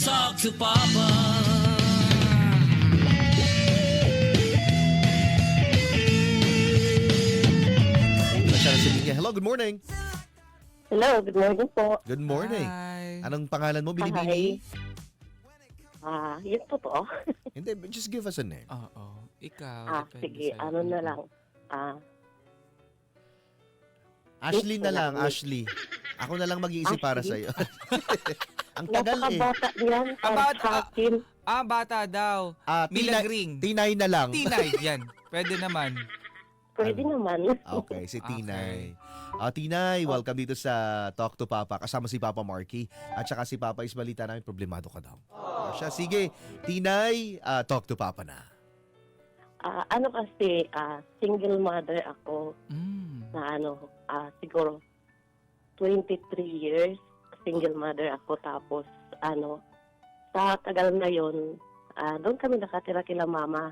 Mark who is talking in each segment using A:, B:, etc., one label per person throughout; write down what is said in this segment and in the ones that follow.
A: talk to Papa.
B: Hello, good morning.
C: Hello, good morning po.
B: Good morning.
D: Hi.
B: Anong pangalan mo, Binibini?
C: Yun po po.
B: Hindi, just give us a name.
D: Oo. Ikaw. depende
C: Sige,
D: sa'yo.
C: ano na lang.
B: Ashley na lang,
C: Wait.
B: Ashley. Ako na lang mag-iisip para
C: Ashley?
B: sa'yo. Ang tagal eh.
C: Napakabata niyan para
D: Bata.
C: sa akin.
D: Bata daw. Milagring.
B: Tinay na lang.
D: Tinay. Yan. Pwede naman.
C: Pwede naman.
B: Okay, si Tinay.
D: Okay.
B: Tinay, welcome dito sa Talk to Papa. Kasama si Papa Marky. At saka si Papa is balita namin, problemado ka daw. Siya, sige. Tinay, Talk to Papa na.
C: Ano kasi, single mother ako na siguro 23 years. Single mother ako. Tapos, sa tagal na yon, doon kami nakatira kila mama.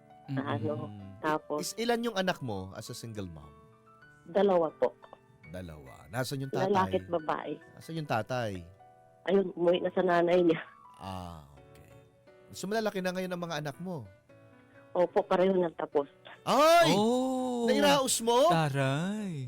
C: Tapos,
B: Ilan yung anak mo as a single mom?
C: 2 po.
B: 2. Nasaan yung tatay?
C: Lalaki at babae.
B: Nasaan yung tatay?
C: Ayun, umuwi na sa nanay niya.
B: Okay. So malalaki na ngayon ang mga anak mo?
C: Opo, pareho na tapos.
B: Ay!
D: Oh.
B: Nairaos mo?
D: Taray.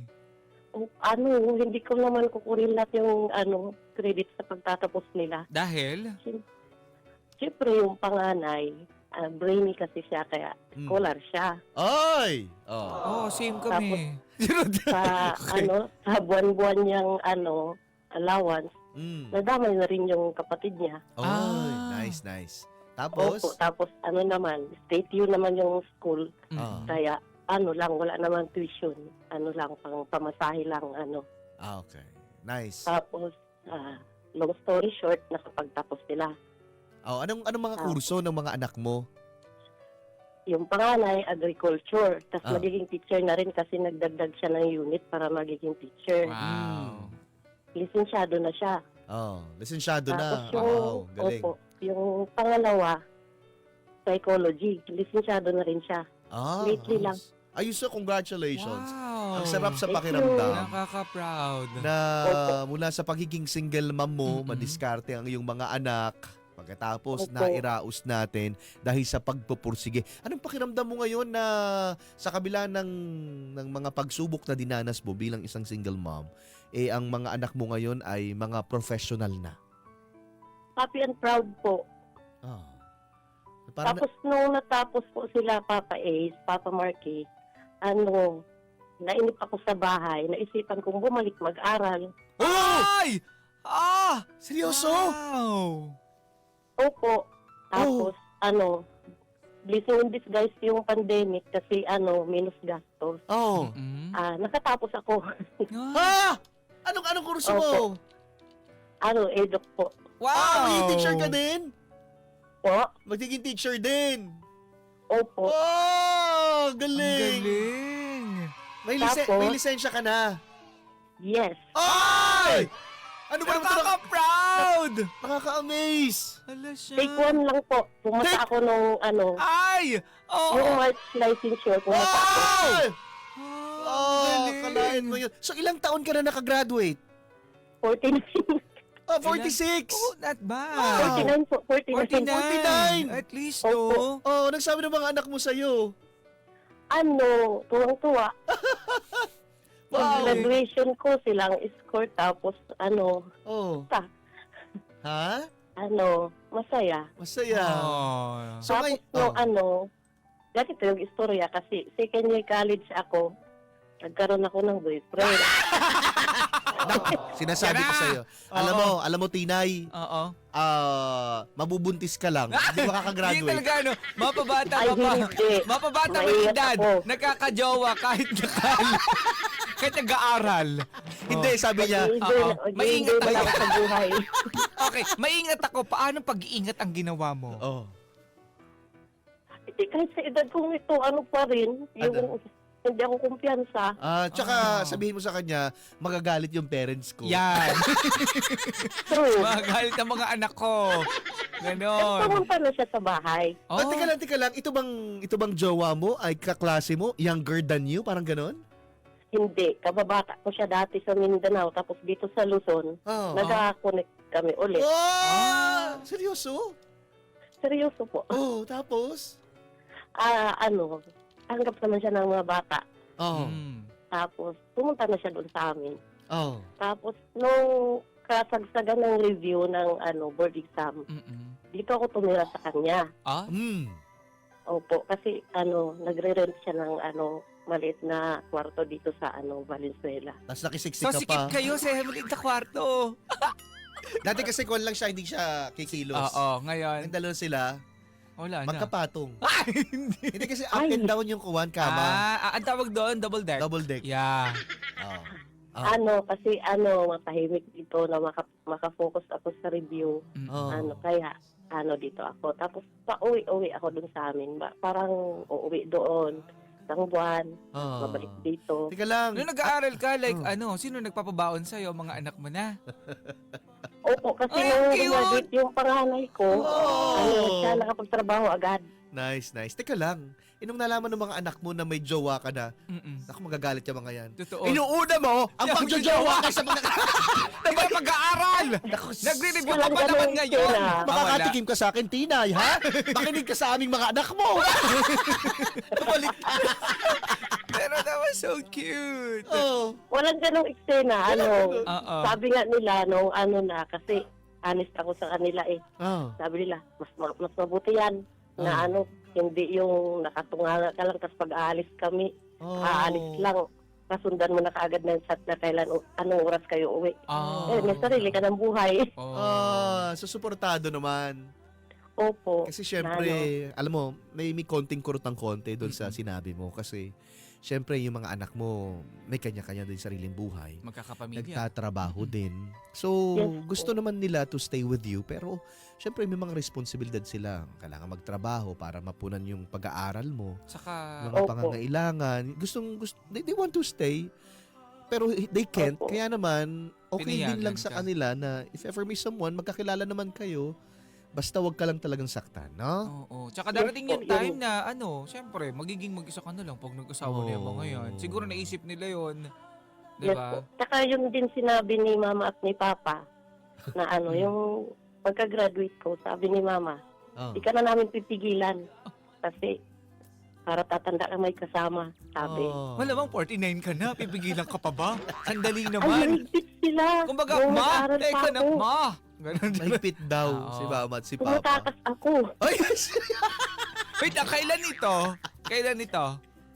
C: Hindi ko naman kukunin lahat yung credit sa pagtatapos nila.
D: Dahil?
C: Siyempre yung panganay, brainy kasi siya, kaya scholar siya.
B: Ay!
D: Same kami.
C: Sa sa buwan-buwan niyang allowance, nadamay na rin yung kapatid niya.
B: Nice. Tapos?
C: Opo, tapos naman, state U naman yung school. Kaya wala naman tuition. Pang pamasahe lang.
B: Okay. Nice.
C: Tapos, long story short, nakapagtapos sila.
B: Anong mga kurso ng mga anak mo?
C: Yung panganay, agriculture. Tapos magiging teacher na rin kasi nagdagdag siya ng unit para magiging teacher.
D: Wow.
C: Lisensyado na siya.
B: Lisensyado na.
C: Tapos
B: Galing.
C: yung pangalawa, psychology. Lisensyado na rin siya. Lately lang.
B: Ayos, so congratulations.
D: Wow.
B: Ang sarap sa
C: Thank
B: pakiramdam.
D: Nakaka-proud.
B: Na mula sa pagiging single mom mo, madiskarte ang iyong mga anak. Pagkatapos, nairaos natin dahil sa pagpupursige. Anong pakiramdam mo ngayon na sa kabila ng mga pagsubok na dinanas mo bilang isang single mom, ang mga anak mo ngayon ay mga professional na?
C: Happy and proud po. Tapos nung natapos po sila, Papa Ace, Papa Marky, nainip ako sa bahay, naisipan kong bumalik mag-aral.
D: Ay!
B: Seryoso?
D: Wow!
C: Opo. Tapos, blessing in disguise yung pandemic kasi, minus gastos. Nakatapos ako.
B: Anong kurso mo?
C: Eduk po.
D: Wow!
B: Magiging teacher ka din?
C: Po?
B: Magiging teacher din?
C: Opo.
D: Ang
B: Galing!
D: galing!
B: May lisensya ka na?
C: Yes.
B: Ay! Ano ba naman ito?
D: Nakaka-proud!
B: Nakaka-amaze!
D: Hala siya.
C: Take 1 lang po. Pumasa ako nung,
D: Ay!
C: yung March licensure. Pumasa ako.
B: Ay!
D: Galing.
B: Kalain mo yun. So, ilang taon ka na nakagraduate?
C: 49.
B: 46!
D: Not bad.
C: 49 po. 49.
D: 49. At least, no?
B: Nagsabi ng mga anak mo sa'yo.
C: Tuwang-tuwa.
B: Wow.
C: Graduation ko silang escort tapos
B: Ha?
C: masaya.
B: Masaya. So,
C: Tapos ganito yung istorya kasi second year college ako, nagkaroon ako ng boyfriend.
B: Sinasabi ko sa'yo. Alam mo, Tinay,
D: Oo.
B: mabubuntis ka lang. Hindi
D: Hindi
B: makakagraduate.
D: talaga, mapabata
C: Ay,
D: ka pa.
C: hindi.
D: Mapabata ka
C: Maingat
D: edad.
C: ako.
D: Nakakajowa kahit kahit nag-aaral.
B: Hindi, sabi niya.
D: Maingat
C: Hindi
D: ako.
C: sa buhay.
D: Okay, maingat ako. Paano pag-iingat ang ginawa mo?
C: Kahit sa edad kong ito, pa rin, yung hindi ako kumpiyansa.
B: Tsaka sabihin mo sa kanya, magagalit yung parents ko.
D: Yan.
C: True.
D: Magalit ang mga anak ko. Ganon.
C: Pumunta na siya sa bahay.
B: Teka lang. Ito bang jowa mo ay kaklase mo? Younger than you? Parang ganon?
C: Hindi. Kababata ko siya dati sa Mindanao. Tapos dito sa Luzon, nag-connect kami ulit.
B: Oh! Seryoso? seryoso?
C: Seryoso po.
B: Oh, tapos?
C: Tanggap naman siya ng mga bata.
B: Oh.
C: Tapos, pumunta na siya doon sa amin.
B: Oh.
C: Tapos, nung kasagsagan ng review ng board exam, dito ako tumira sa kanya.
D: Ah?
C: Opo, kasi nagre-rent siya ng maliit na kwarto dito sa Valenzuela.
B: Tapos nakisiksik
D: So,
B: ka
D: sikip
B: pa.
D: kayo sa maliit na kwarto.
B: Dati kasi kung lang siya, hindi siya kikilos.
D: Oo, ngayon.
B: Ang dalawa sila,
D: Wala na.
B: magkapatong.
D: Hindi.
B: Hindi kasi up and down yung kuwan, kama.
D: Ang tawag doon, double deck.
B: Double deck.
D: Yeah.
B: Oh.
C: Kasi matahimik dito na makafocus ako sa review.
B: Oh.
C: Kaya dito ako. Tapos pauwi-uwi ako dun sa amin. Parang uuwi doon. Isang buwan.
B: Oh.
C: Mabalik dito.
B: Teka lang.
D: Nung nag-aaral ka, like, sino nagpapabaon sa'yo? Mga anak mo na?
C: Opo, kasi
D: Ay,
C: nung
D: cute!
C: graduate yung panganay ko,
B: Oh.
C: siya nakapagtrabaho agad.
B: Nice. Teka lang. Nung nalaman ng mga anak mo na may jowa ka na,
D: Mm-mm.
B: ako magagalit yung mga yan.
D: Totoo.
B: Inuuna mo ang
D: Yung
B: pagjojowa ka sa mga...
D: Diba mag-aaral? Nagre-review ka pa naman ngayon.
C: Wala.
B: Makakatikim ka sa akin, Tinay, ha? Makinig ka sa aming mga anak mo. Balik.
D: Pero that was so cute.
B: Oh.
C: Walang ganong eksena.
D: Oo.
C: Sabi nga nila, nung kasi honest ako sa kanila eh.
B: Oh.
C: Sabi nila, mas mabuti yan na hindi yung nakatunganga ka lang tapos pag aalis kami, aalis lang. Kasundan mo na kaagad ng chat na kailan, anong oras kayo uwi. May sarili ka ng buhay.
B: Susuportado naman.
C: Opo.
B: Kasi syempre, alam mo, may konting kurutang konti doon sa sinabi mo. Kasi syempre, yung mga anak mo, may kanya-kanya din sariling buhay.
D: Magkakapamilya.
B: Nagtatrabaho din. So,
C: Yes,
B: gusto naman nila to stay with you. Pero, syempre, may mga responsibilidad sila. Kailangan magtrabaho para mapunan yung pag-aaral mo.
D: Saka,
B: Mga
C: Opo.
B: pangangailangan. They want to stay. Pero they can't.
C: Opo.
B: Kaya naman, okay din
D: Pinayagan
B: lang sa
D: ka.
B: kanila na if ever may someone, magkakilala naman kayo, basta wag ka lang talagang saktan, no?
D: oo. Tsaka darating yung
C: Yes,
D: time na, syempre, magiging mag-isa ka na lang pag nag-asawa na yung mga yan. Siguro naisip nila yon.
C: Yes
D: Diba?
C: po. Tsaka yun din sinabi ni Mama at ni Papa na yung pagka-graduate ko, sabi ni Mama,
B: Oh.
C: di ka na namin pipigilan kasi para tatanda ka may kasama, sabi.
B: Oh.
D: Malamang 49 ka na, pipigilan ka pa ba? Sandali
C: Ay,
D: naman.
C: higpit sila.
D: Kumbaga,
C: Nung
D: ma,
C: nag-aaral pa
D: teka na,
C: ako,
D: ma. Ganun.
B: Mahigpit daw
D: Oo.
B: si Mama at si Papa.
C: tumatakas ako.
B: Ay,
D: Wait, kailan ito? Kailan ito?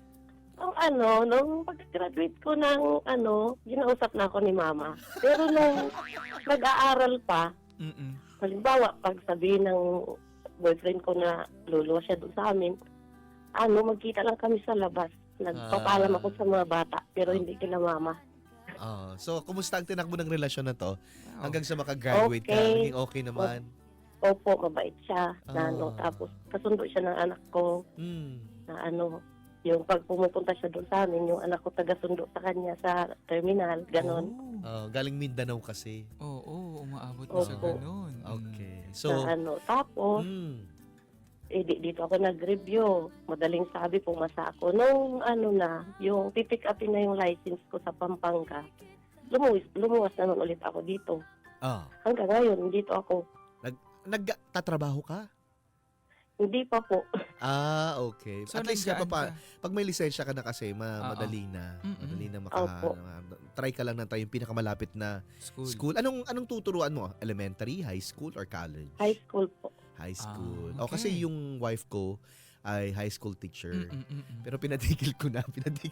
C: Nung pag-graduate ko ng ginausap na ako ni Mama. Pero nung nag-aaral pa,
D: Mm-mm.
C: halimbawa, pag sabihin ng boyfriend ko na luluwa siya doon sa amin, magkita lang kami sa labas. Nagpapaalam ako sa mga bata, pero hindi kila Mama.
B: so, kumusta ang tinakbo ng relasyon na to?
D: Wow.
B: Hanggang sa makagraduate ka,
C: Okay.
B: naging okay naman.
C: Opo, mabait siya.
B: Ah.
C: Tapos, kasundo siya ng anak ko
B: Hmm.
C: na yung pag pumupunta siya doon sa amin, yung anak ko taga-sundo sa kanya sa terminal, ganon.
B: Galing Mindanao kasi.
D: Oo, umaabot na sa
C: Opo.
D: ganun.
B: Okay. So,
C: Tapos, dito ako nag-review. Madaling sabi, pumasa ako. Nung yung pipick upin na yung license ko sa Pampanga, lumuwas naman ulit ako dito. Hanggang ngayon, dito ako.
B: nagtatrabaho ka?
C: Hindi pa po.
B: Okay.
D: So,
B: At least
D: nandyan
B: pa,
D: ka.
B: pag may lisensya ka na kasi,
D: Oo.
B: madali na.
D: Mm-mm.
B: Madali na
C: Opo.
B: try ka lang na tayo yung pinakamalapit na
D: School.
B: school. Anong tuturuan mo? Elementary, high school, or college?
C: High school po.
B: High school.
D: Okay.
B: Kasi yung wife ko ay high school teacher.
D: Mm-mm-mm.
B: Pero pinatigil ko na.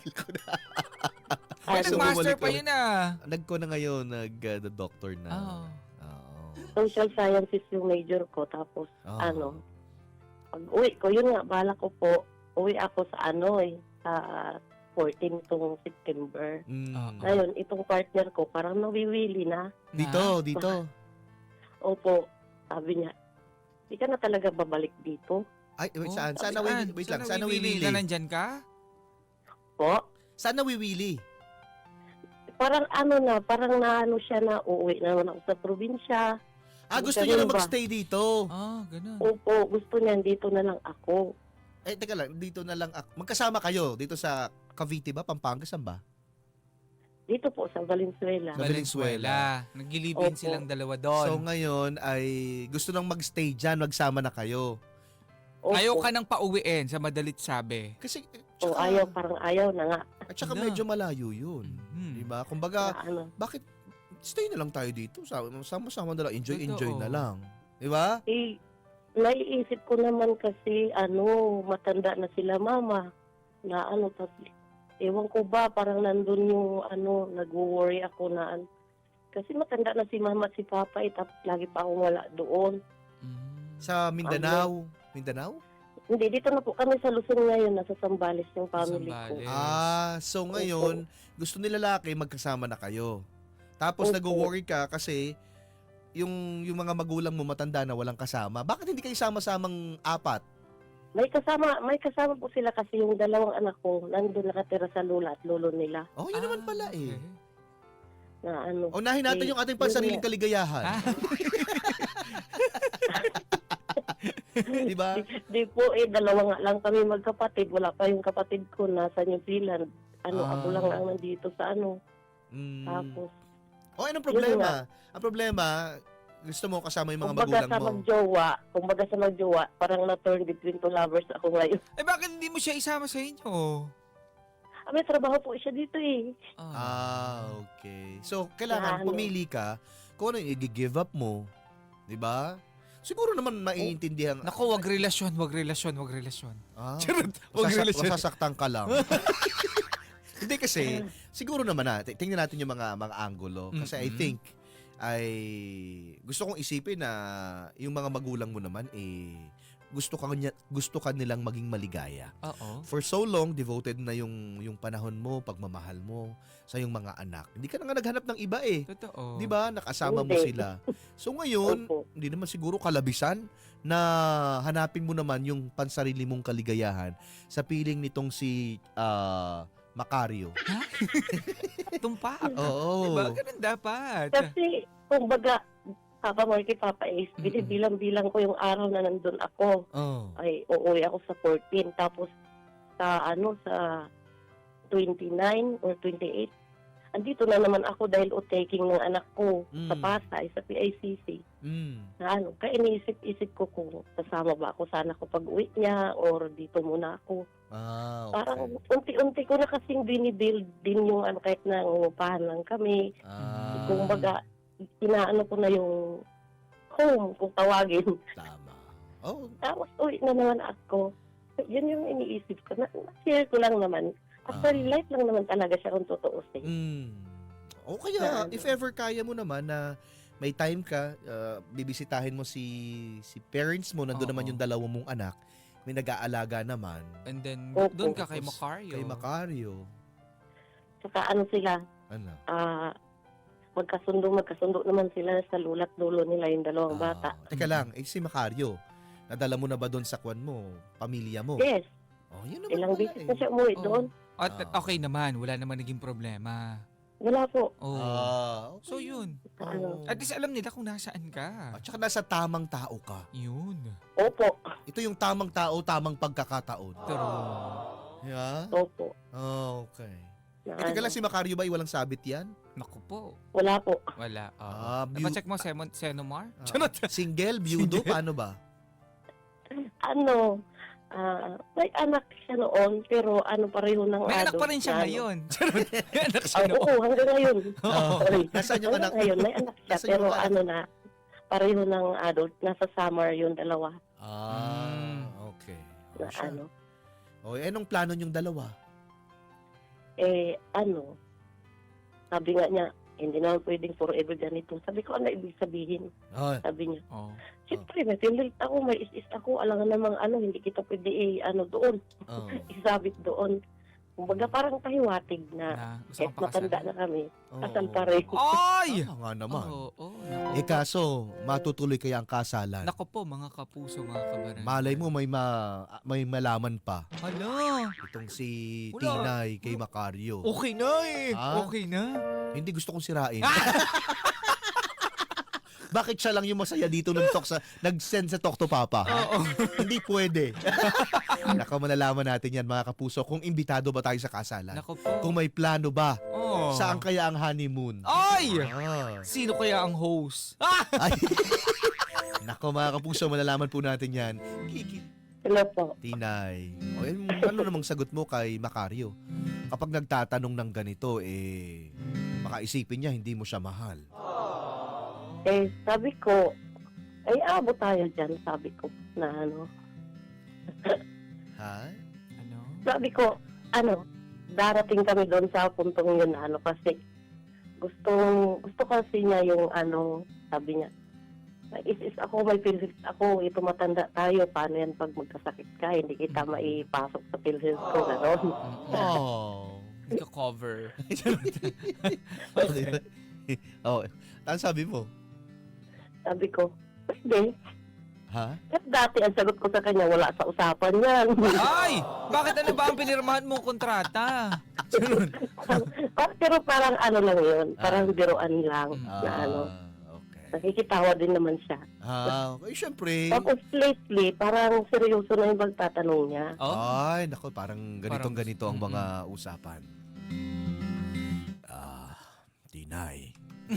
D: Ay,
B: So,
D: nag-master
B: bumalik
D: pa
B: ulit.
D: yun ah.
B: Nagko na ngayon, the doctor na.
D: Oo.
B: Oo.
C: Social sciences yung major ko. Tapos,
B: Oo.
C: pag uwi ko, yun nga, bala ko po, uwi ako sa sa 14 itong September.
B: Mm.
C: Ngayon, itong partner ko, parang nawiwili na.
B: Dito.
C: Opo, sabi niya, di ka na talaga babalik dito.
B: Ay, wait,
D: Oh,
B: saan? Saan
D: saan?
B: wait lang.
D: Saan
B: Saan
D: nawiwili?
B: nawiwili?
D: Na nandyan ka?
C: Po,
B: Saan nawiwili?
C: parang parang siya na uuwi naman ako sa probinsya.
B: Gusto niya na
C: Ganun ba?
B: magstay dito.
D: Ganun.
C: Opo, gusto niya dito na lang ako.
B: Teka lang, dito na lang. Magkasama kayo dito sa Cavite ba? Pampanga, saan ba?
C: Dito po sa Valenzuela.
B: Sa Valenzuela.
D: Nagilibin
C: Opo.
D: silang dalawa doon.
B: So ngayon ay gusto nang magstay dyan, magsama na kayo.
C: Opo.
D: Ayaw ka nang pauwiin sa madalit sabi.
B: Kasi,
C: O ayaw, parang ayaw na nga.
B: At saka
D: Na.
B: medyo malayo yun.
D: Mhm.
B: Diba? Kumbaga,
C: Na ano.
B: bakit stay na lang tayo dito? Sama-sama na lang. Enjoy
D: Totoo.
B: na lang. Diba?
C: Eh, naiisip ko naman kasi, matanda na sila mama. Na ewan ko ba, parang nandun yung, nag-worry ako na, kasi matanda na si mama at si papa, tapos lagi pa akong wala doon.
D: Mm.
B: Sa Mindanao. Mindanao?
C: Hindi, dito na po kami sa Luzon ngayon, nasa Sambales yung family ko.
D: Sambales. Yes.
B: So ngayon, gusto ni lalaki magkasama na kayo. Tapos
C: Opo.
B: nag-worry ka kasi yung mga magulang mo matanda na walang kasama. Bakit hindi kayo sama-samang apat?
C: May kasama po sila kasi yung dalawang anak ko, nandun nakatira sa lula at lolo nila.
B: Oh, yun naman pala eh.
D: Okay.
C: Na
B: Unahin natin
C: Eh,
B: yung ating
C: yun
B: pansariling
C: nga.
B: kaligayahan.
D: Ah,
B: Diba?
C: Di po dalawa nga lang kami magkapatid. Wala pa yung kapatid ko nasa New Zealand. Ako lang ang nandito sa
B: Mm.
C: Tapos,
B: Oh, anong
C: Yun
B: problema? Ang problema, gusto mo kasama yung mga
C: kumbaga
B: magulang
C: sa
B: mo.
C: magjowa, parang na-turn between two lovers ako ngayon.
D: eh bakit hindi mo siya isama sa inyo?
C: May trabaho po siya dito eh.
B: Okay. So, kailangan
C: Ano?
B: pumili ka kung ano yung i-give up mo. 'Di ba? Siguro naman maiintindihan.
D: Naku, wag relasyon.
B: Ah,
D: Charot, wag relasyon.
B: masasaktan ka lang. Hindi kasi, siguro naman tingnan natin yung mga anggulo. Kasi I
D: Mm-mm.
B: think, gusto kong isipin na yung mga magulang mo naman, gusto ka nilang maging maligaya.
D: Oo.
B: For so long, devoted na yung panahon mo, pagmamahal mo sa yung mga anak. Hindi ka na nga naghanap ng iba eh.
D: Totoo.
B: 'Di ba? Nakasama mo
C: Hindi.
B: sila. So ngayon,
C: Opo.
B: hindi naman siguro kalabisan na hanapin mo naman yung pansarili mong kaligayahan sa piling nitong si Macario.
D: Tumpak.
B: Oo.
D: Diba? Ganun dapat.
C: Kasi, kumbaga, Papa Marky, Papa Ace, binibilang-bilang ko yung araw na nandun ako.
B: Oh.
C: Ay, uuwi ako sa 14. Tapos, sa 29 or 28, andito na naman ako dahil taking ng anak ko sa
B: Mm.
C: Pasay, sa PICC.
B: Mm.
C: Na kaya iniisip-isip ko kung kasama ba ako sana ko pag-uwi niya or dito muna ako.
B: Ah,
C: Parang
B: okay.
C: unti-unti ko na kasing binibuild din yung kahit na ngupahan lang kami.
B: Ah,
C: Kumbaga, inaano ko na yung home kung tawagin.
B: tama. Oh,
C: Tapos uwi na naman ako. Yun yung iniisip ko. Na-share ko lang naman. Actually, life lang naman talaga siya kung tutuusin.
B: O kaya,
C: Na
B: if ever kaya mo naman na may time ka, bibisitahin mo si parents mo, nandun
D: Oo.
B: naman yung dalawa mong anak, may nag-aalaga naman
D: And then,
C: Opo.
D: doon ka kay
B: Tapos,
D: Macario.
B: kay Macario.
C: Saka sila,
B: Ano?
C: magkasundo naman sila sa lulat dulo nila yung dalawang bata.
B: Teka lang, si Macario, nadala mo na ba doon sa kwan mo, pamilya mo?
C: Yes,
B: Oh, yun naman
C: ilang
B: pala
C: beses na siya umuwi
D: Oo.
C: doon.
D: At okay naman, wala naman naging problema.
C: Wala po.
D: Oh.
B: Okay.
D: So yun.
B: Oh.
C: Ano.
D: At least alam nila kung nasaan ka.
B: At saka nasa tamang tao ka.
D: Yun.
C: Opo.
B: Ito yung tamang tao, tamang pagkakataon.
D: True.
B: Yeah?
C: Opo.
B: Okay.
C: Na
B: Teka lang, si Macario ba ay walang sabit yan?
D: Naku po.
C: Wala po.
D: Wala.
B: Beau-
D: Check mo, Senomar?
B: Ah, single, byudo, paano ba?
C: May anak siya noon, pero pareho ng
D: May anak
C: adult
D: pa rin siya
C: na,
D: ngayon. Charot. May anak siya
C: Oo,
D: noon.
C: hanggang ngayon.
B: Oo.
C: Sorry.
B: Nasaan yung
C: Hanggang
B: anak?
C: ngayon, may anak siya,
B: Nasaan
C: pero
B: yung anak?
C: pareho ng adult. Nasa summer yung dalawa.
B: Okay.
C: Na
B: siya. Anong plano niyong dalawa?
C: Sabi nga niya, hindi naman pwedeng forever ganito. Sabi ko, ano ibig sabihin?
B: Oh,
C: Sabi niya,
D: Oh.
C: siyempre, may pinlit ako, may is ako, alangan namang hindi kita pwede doon,
B: oh,
C: isabit doon. Kumbaga parang kahiwatig na,
D: Na, gusto
C: kahit
D: kang
C: matanda
D: pakasal.
C: na kami,
B: oh.
C: kasal pa rin.
D: Ay!
B: Tama nga naman.
D: Oo.
B: Kaso, matutuloy kaya ang kasalan.
D: Naku po, mga kapuso, mga kabaran.
B: Malay mo, may malaman pa.
D: Hala.
B: Itong si
D: Wala.
B: Tinay kay Macario.
D: Okay na eh.
B: Ah?
D: Okay na.
B: Hindi gusto kong sirain. Bakit siya lang yung masaya dito nag-send sa Talk to Papa?
D: Oo.
B: Hindi pwede. Nako, malalaman natin yan mga kapuso kung imbitado ba tayo sa kasalan.
D: Nako po.
B: Kung may plano ba,
D: Oh.
B: saan kaya ang honeymoon?
D: Ay!
B: Ah.
D: Sino kaya ang host?
B: Ay. Nako mga kapuso, malalaman po natin yan.
C: Hello po.
B: Tinay. O, ano namang sagot mo kay Macario? Kapag nagtatanong ng ganito, baka isipin niya hindi mo siya mahal.
C: Sabi ko, abot tayo dyan, sabi ko, na ano.
B: Ha?
D: Ano?
C: Sabi ko, darating kami doon sa puntong yun, kasi gusto kasi niya yung, sabi niya, is ako, may pills ako, tumatanda tayo, paano yan pag magkasakit ka, hindi kita maipasok sa pills ko, gano'n.
B: Oh.
D: Hindi ka cover.
B: Oh, ano sabi mo?
C: Sabi ko, pwede.
B: Ha?
C: At dati, ang sagot ko sa kanya, wala sa usapan yan.
D: Ay! Bakit ano ba ang pinirmahan mong kontrata?
C: Pero parang lang yun, parang biruan lang, na
B: Okay.
C: nakikitawa din naman siya.
B: Okay, syempre.
C: Tapos lately, parang seryoso na yung pagtatanong niya.
D: Oh?
B: Ay, nako, parang ganitong-ganito ang mga usapan. Tinay.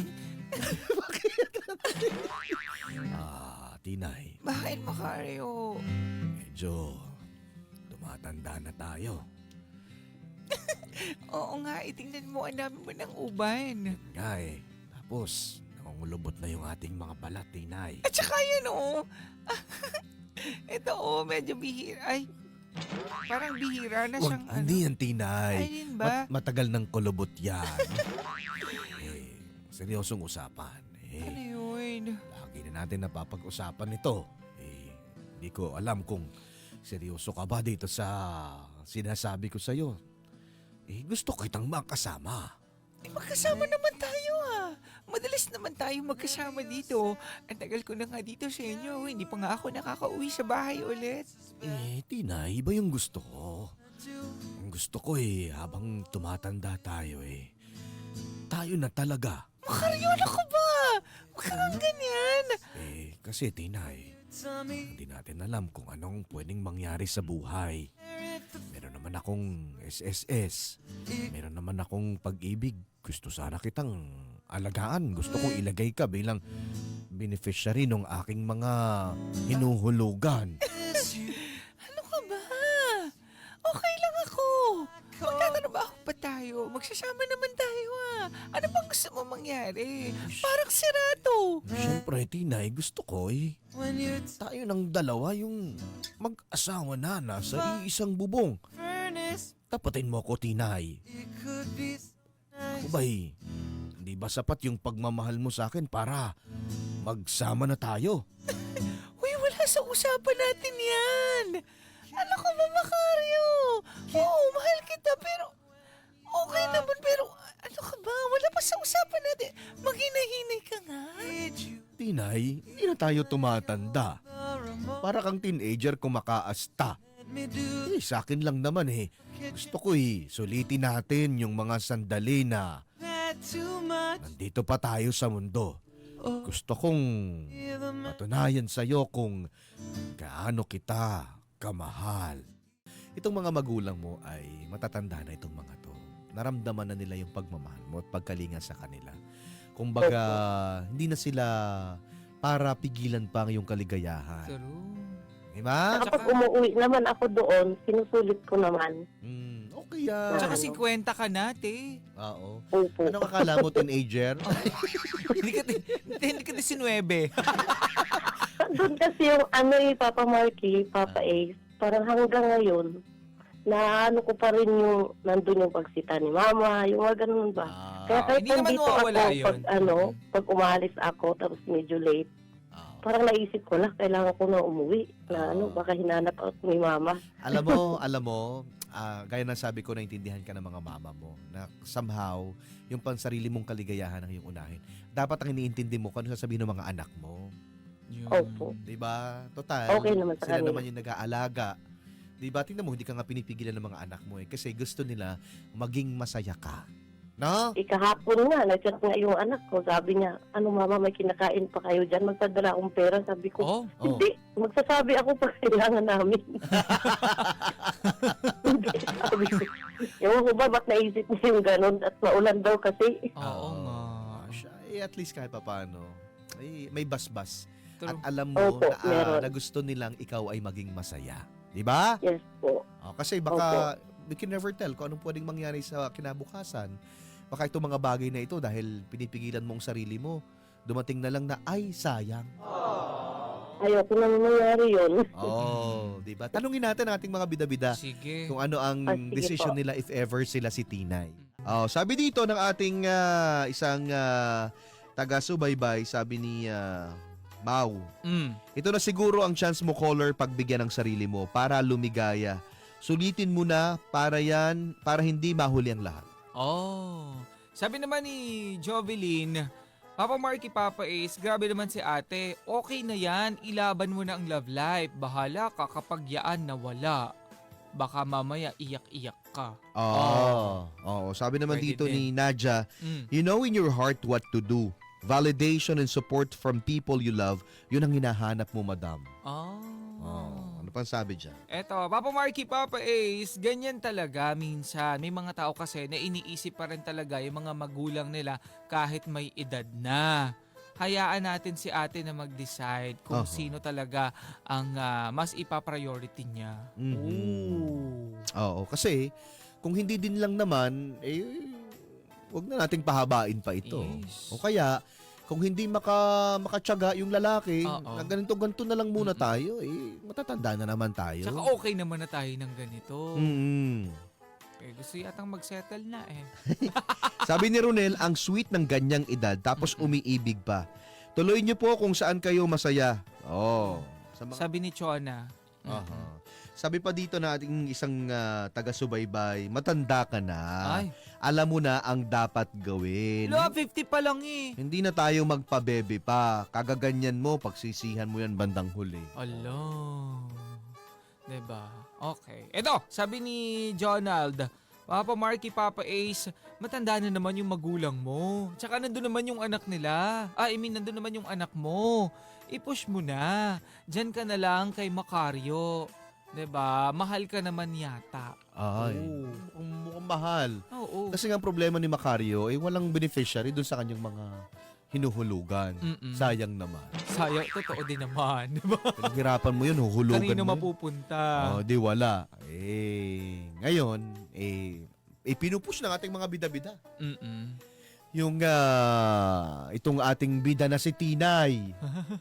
B: Tinay.
D: Bakit, Macario?
B: Medyo tumatanda na tayo.
D: Oo nga, itingnan mo, ang dami mo ng uban.
B: Nga Tapos, nangungulubot na yung ating mga balat, Tinay.
D: At saka yan, ito, medyo bihira. Ay, parang bihira na siyang
B: Hindi yan, Tinay.
D: Ayun ba?
B: Matagal ng kulubot yan. Seryosong usapan.
D: Ano yun?
B: Lagi na natin napapag-usapan ito. Hindi ko alam kung seryoso ka ba dito sa sinasabi ko sa'yo. Gusto kitang makasama.
D: Magkasama naman tayo Madalas naman tayo magkasama dito. Ang tagal ko na nga dito sa inyo. Hindi pa nga ako nakakauwi sa bahay ulit.
B: Tinay, iba yung gusto ko. Ang gusto ko habang tumatanda tayo tayo na talaga.
D: Macario, ano ka ba? Huwag kang ganyan.
B: Kasi Tinay, hindi natin alam kung anong pwedeng mangyari sa buhay. Meron naman akong SSS. Meron naman akong pag-ibig. Gusto sana kitang alagaan. Gusto kong ilagay ka bilang beneficiary ng aking mga hinuhulugan.
D: Ano ka ba? Okay lang ako. Magtatrabaho pa tayo. Magsasama naman tayo Ano bang gusto mo mangyari? Parang sirato.
B: Siyempre, Tinay, gusto ko tayo ng dalawa yung mag-asawa na nasa iisang bubong. Tapatin mo ako, Tinay. Ako ba'y, hindi ba sapat yung pagmamahal mo sa akin para magsama na tayo?
D: Uy, wala sa usapan natin yan. Ano ka ba, Macario? Oo, mahal kita, pero okay naman, pero ano ka ba? Wala pa sa usapan natin. Maghinay-hinay ka nga.
B: Tinay, hindi na tayo tumatanda. Para kang teenager kumakaasta. Sa akin lang naman Gusto ko sulitin natin yung mga sandali na nandito pa tayo sa mundo. Gusto kong patunayan sa'yo kung gaano kita kamahal. Itong mga magulang mo ay matatanda na itong mga to. Naramdaman na nila yung pagmamahal mo at pagkalinga sa kanila. Kumbaga, hindi na sila para pigilan pa ang iyong kaligayahan.
D: True.
B: Diba?
C: Kapag umuwi naman ako doon, sinusulit ko naman.
B: Okay yan.
D: Tsaka 50 ka na, te.
B: Oo.
C: Opo.
B: Anong akala mo, teenager?
D: Hindi ka 19.
C: Doon kasi yung Papa Marky, Papa Ace, parang hanggang ngayon, na ko pa rin yung nandun yung pagsita ni Mama, yung mga ganun ba. Kaya kahit
D: hindi naman
C: nandito ako,
D: mawawala yun.
C: pag umalis ako, tapos medyo late, parang naisip ko lang, kailangan ko na umuwi. Na baka hinanap ako ni Mama.
B: Alam mo, gaya ng sabi ko, naintindihan ka ng mga mama mo na somehow, yung pansarili mong kaligayahan ang iyong unahin. Dapat ang iniintindi mo kung ano sasabihin ng mga anak mo.
C: Opo.
B: Diba? Total,
C: Okay naman sa
B: sila
C: kanila.
B: naman yung nag-aalaga. Diba? Tingnan mo, hindi ka nga pinipigilan ng mga anak mo kasi gusto nila maging masaya ka. No?
C: Ikahapon nga, nag-chat nga yung anak ko. Sabi niya, ano mama, may kinakain pa kayo dyan? Magpadala akong pera. Sabi ko,
D: Oh,
C: hindi. Magsasabi ako pag kailangan namin. Hindi. Sabi ko, ewan ko ba, ba't naisip niya yung ganun? At maulan daw kasi.
D: oo nga.
B: Siya, at least kahit papaano, may basbas.
D: True.
B: At alam mo
C: Opo, meron.
B: na gusto nilang ikaw ay maging masaya. Di ba?
C: Yes po.
B: Kasi baka, we can never tell kung anong pwedeng mangyari sa kinabukasan. Baka itong mga bagay na ito dahil pinipigilan mong sarili mo, dumating na lang na, ay, sayang.
C: Ayoko na mangyari yun.
B: Di ba? Tanungin natin ang ating mga bida-bida
D: Sige.
B: kung ano ang
C: Sige
B: decision
C: po.
B: nila if ever sila si Tinay. Sabi dito ng ating isang taga-subaybay, sabi ni Mau, ito na siguro ang chance mo, caller, pagbigyan ng sarili mo para lumigaya. Sulitin mo na para hindi mahuli ang lahat.
D: Oh. Sabi naman ni Jovelyn, Papa Marky, Papa Ace, grabe naman si ate. Okay na yan, ilaban mo na ang love life. Bahala ka kapag yaan nawala. Baka mamaya iyak-iyak ka.
B: Oo. Sabi naman
D: Pwede
B: dito
D: din.
B: ni Nadia, you know in your heart what to do. Validation and support from people you love, yun ang hinahanap mo, madam. Ano pang sabi dyan?
D: Eto, Papa Marky, Papa Ace, ganyan talaga minsan. May mga tao kasi na iniisip pa rin talaga yung mga magulang nila kahit may edad na. Hayaan natin si ate na mag-decide kung sino talaga ang mas ipapriority niya.
B: Oo, kasi kung hindi din lang naman, wag na nating pahabain pa ito.
D: Yes.
B: O kaya, kung hindi makatyaga yung lalaki,
D: Oo.
B: na ganito na lang muna tayo, matatanda na naman tayo.
D: Tsaka okay naman na tayo ng ganito. Gusto yatang mag-settle na eh.
B: Sabi ni Ronel, ang sweet ng ganyang edad tapos umiibig pa. Tuloy niyo po kung saan kayo masaya. Sa mga...
D: Sabi ni Chona.
B: Aha. Sabi pa dito na ating isang taga-subaybay, matanda ka na.
D: Ay,
B: Alam mo na ang dapat gawin.
D: 50 pa lang eh.
B: Hindi na tayo magpabebe pa. Kagaganyan mo, pagsisihan mo yan bandang huli.
D: Ala. Diba? Okay. Ito, sabi ni Jonald, Papa Marky, Papa Ace, matanda na naman yung magulang mo. Tsaka nandun naman yung anak nila. Nandun naman yung anak mo. I-push mo na. Diyan ka na lang kay Macario. Diba? Mahal ka naman yata.
B: Ay, mukhang mahal.
D: Oo.
B: Kasi nga ang problema ni Macario, walang beneficiary dun sa kanyang mga hinuhulugan. Sayang naman.
D: Sayang, totoo din naman. Diba?
B: Pinaghirapan mo yun, huhulugan
D: Kanino
B: mo.
D: mapupunta?
B: Di wala. Ngayon, pinupush ng ating mga bida-bida. Yung itong ating bida na si Tinay.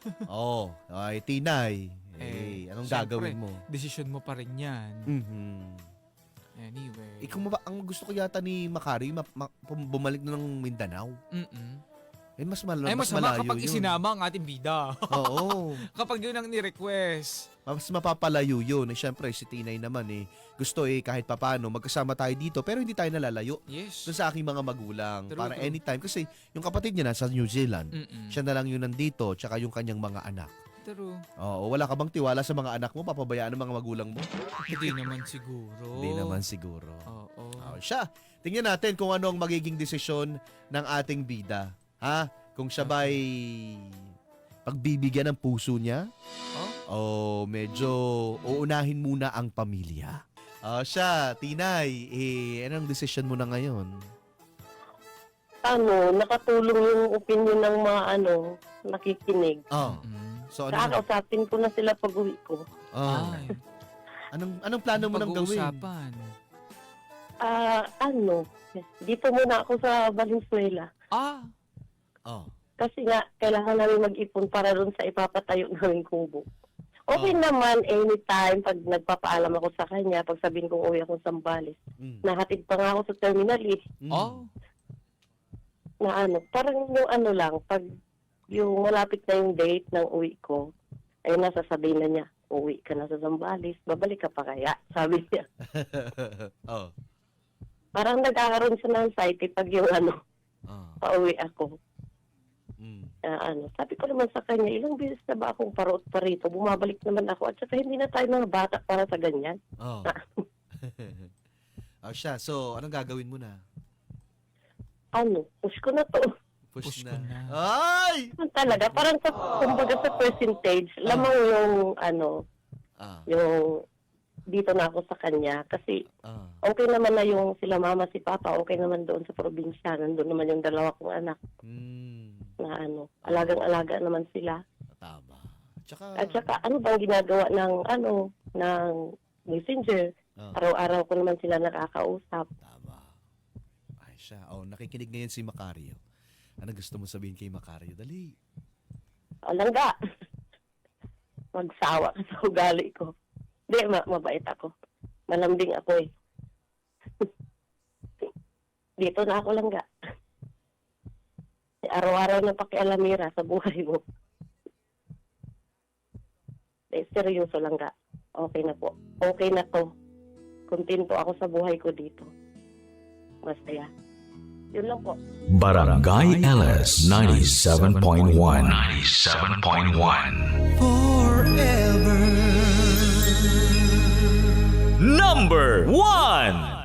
B: Tinay. Anong
D: syempre,
B: gagawin mo?
D: Desisyon mo pa rin yan. Anyway.
B: Ang gusto ko yata ni Macari, bumalik na ng Mindanao. Mas
D: masama
B: malayo
D: kapag
B: yun.
D: isinama ang ating bida.
B: Oo.
D: Kapag yun ang ni-request.
B: Mas mapapalayo yun. Siyempre, si Tinay naman gusto kahit papano magkasama tayo dito pero hindi tayo nalalayo
D: Yes.
B: dun sa aking mga magulang.
D: True,
B: Para
D: true.
B: anytime. Kasi yung kapatid niya nasa New Zealand. Siya na lang yun nandito tsaka yung kanyang mga anak.
D: True.
B: Oo, wala ka bang tiwala sa mga anak mo? Papabayaan ng mga magulang mo?
D: Hindi naman siguro.
B: Hindi naman siguro.
D: Oo.
B: Siya. Tingnan natin kung ano ang magiging desisyon ng ating bida. Ha? Kung siya ba'y pagbibigyan ng puso niya? O medyo uunahin muna ang pamilya? Siya, Tinay, anong desisyon mo na ngayon?
C: Nakatulong yung opinion ng mga nakikinig.
B: So
C: Kakausapin ko na sila pag uwi ko.
D: Ay.
B: Anong plano mo nang gawin?
D: Pag-uusapan.
C: Dito muna ako sa Valenzuela. Kasi nga, kailangan namin mag-ipon para doon sa ipapatayo namin kubo. Okay naman, anytime, pag nagpapaalam ako sa kanya, pag sabihin kong uwi ako sa Zambales, nahatid pa nga ako sa terminal na parang yung lang, pag yung malapit na yung date ng uwi ko, ay nasasabihin na niya, uwi ka na sa Zambales, babalik ka pa kaya? Sabi niya. Parang nagkakaroon siya ng anxiety pag yung pauwi ako. Sabi ko naman sa kanya, ilang beses na ba akong parot pa rito? Bumabalik naman ako. At saka hindi na tayo mga bata para sa ganyan.
B: Siya. So, anong gagawin mo na?
C: push ko na to.
B: Push
D: Push
B: na.
D: ko na.
B: Ay!
C: Talaga, parang kumbaga sa percentage, lamang yung
B: Ah,
C: yung dito na ako sa kanya. Kasi
B: ah.
C: okay naman na yung sila mama, si papa, okay naman doon sa probinsya. Nandun naman yung dalawa kong anak
B: Hmm,
C: na alagang-alaga naman sila.
B: tama. Tsaka,
C: At saka, ano bang ginagawa ng messenger?
B: ah,
C: Araw-araw ko naman sila nakakausap.
B: tama. Ay siya. Oh, nakikinig ngayon si Macario. Ano gusto mo sabihin kay Macario? Dali.
C: O, langga. Magsawa ka sa ugali ko. Hindi, mabait ako. Malambing ako eh. Dito na ako langga. Araw-araw na pakialamira sa buhay mo. Seryoso langga. Okay na po. Okay na to. Kontento ako sa buhay ko dito. Masaya. Yun lang po.
A: Barangay LS 97.1 97.1 Forever Number 1